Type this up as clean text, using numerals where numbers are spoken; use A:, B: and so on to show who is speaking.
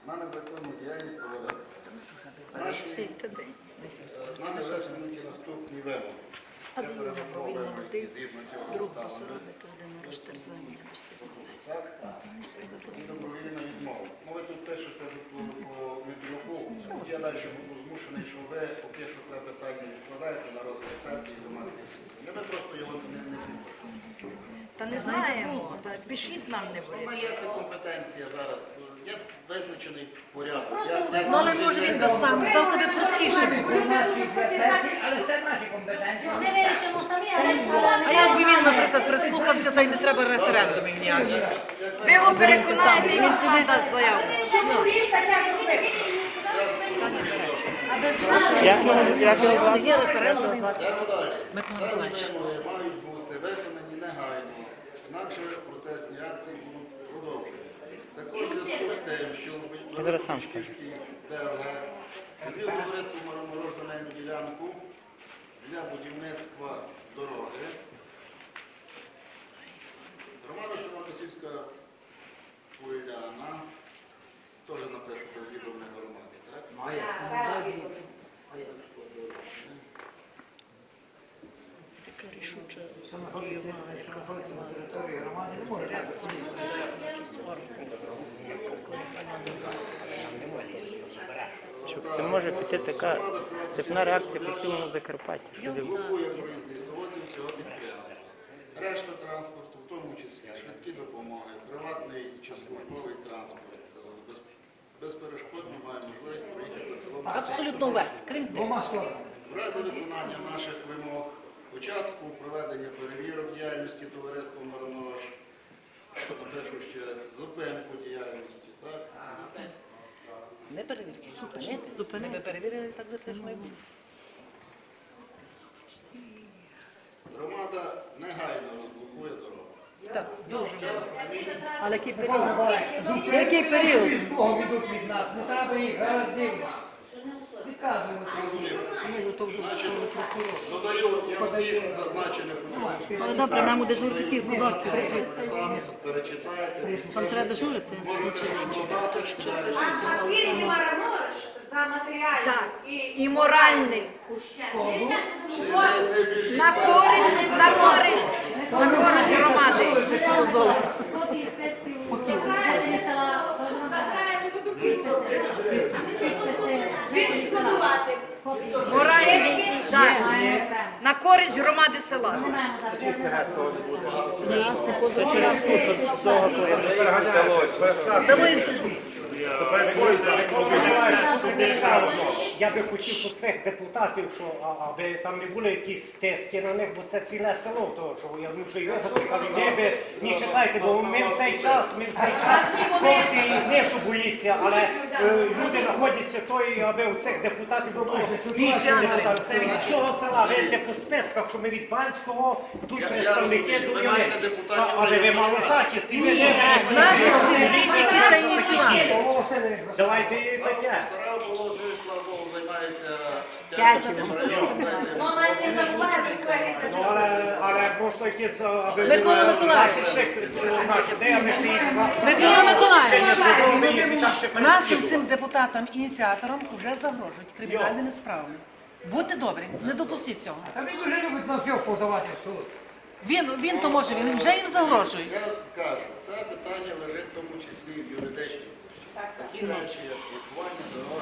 A: на незаконну діяльність товариства. Нами висунуті наступні вимоги. Я перерахував вимоги згідно цього ставлю. І добровільна відмова. Ви тут пишете по Митрюку, я далі буду змушений, що ви поки що це питання відкладаєте на розгляд сесії громадських слухань. Ми просто його не підпишемо.
B: Та не знаємо, пишіть нам не ви.
A: Є це компетенція зараз, є визначений порядок.
B: Ну, але може він би сам став тобі простіше.
C: Але це наші компетенції.
B: А якби він, наприклад, прислухався, та й не треба референдумів ніяких. Ви його переконаєте, і він сам дасть заяву.
D: Як його звати?
B: Є референдум.
A: Микола Миколаївич. Мають бути виконані негайно, інакше протестні акції будуть продовжені. Також в зв'язку з тим, що
D: Я зараз сам скажу.
A: ДЛГ відвів товариство Мороз земельну ділянку для будівництва дороги. Громада села Косівська Поляна, теж напишу без відомої громади, так? Має.
B: Така рішуча
D: Це може піти така цепна реакція по цілому Закарпаттю.
A: Блокує проїзд лісовозів цього підприємства. Решта транспорту, в тому числі швидкі допомоги, приватний чи службовий транспорт, безперешкодно має можливість проїхати селом.
B: абсолютно весь, крім того.
A: В разі виконання наших вимог, початку проведення перевірок діяльності товариства Миронож, напишу ще зупинку діяльності, так?
B: Не перевірки, зупинити. Ми перевірили, так за це ж має бути.
A: Громада негайно розблокує дорогу.
B: Так, дуже. Але який період? Який період?
C: Богу йдуть від нас, не треба їх дивно. Відказуємо.
A: Додаю, я всіх зазначених у цьому.
B: Але добре, нам у дежурників кудорки
A: Перечитаєте.
B: Там треба дежурити.
E: За матеріальний
B: Так, і моральний. На користь громади.
E: відшкодувати.
B: Моральний, так, на користь громади села. Давай в суд.
F: Я би хотів у цих депутатів, аби там не були якісь тиски на них, бо це ціле село, то що я думаю, що і ви закликали, не читайте, бо ми в цей час, хлопці не що боїться, але люди знаходяться той, аби у цих депутатів було 8 депутатів. Це від всього села, ви йдете по списках, що ми від Банського, тут представники думали, але ви мало захист, і ви не
B: Наших сільських, які це ініціювали.
F: давайте таке.
A: Сарав було, слава Богу, займається
E: Мама не забуває за своє
F: Ну, але просто якісь...
B: Микола Миколаївич. Микола Миколаївич, нашим цим депутатам-ініціаторам вже загрожують кримінальними справами. Будьте добрі, не допустіть цього.
C: А він дуже любить на все подавати в суд.
B: Він то може, він вже їм загрожує.
A: Я кажу, це питання лежить в тому числі і в юридичній площі. Такі речі, як блокування дороги,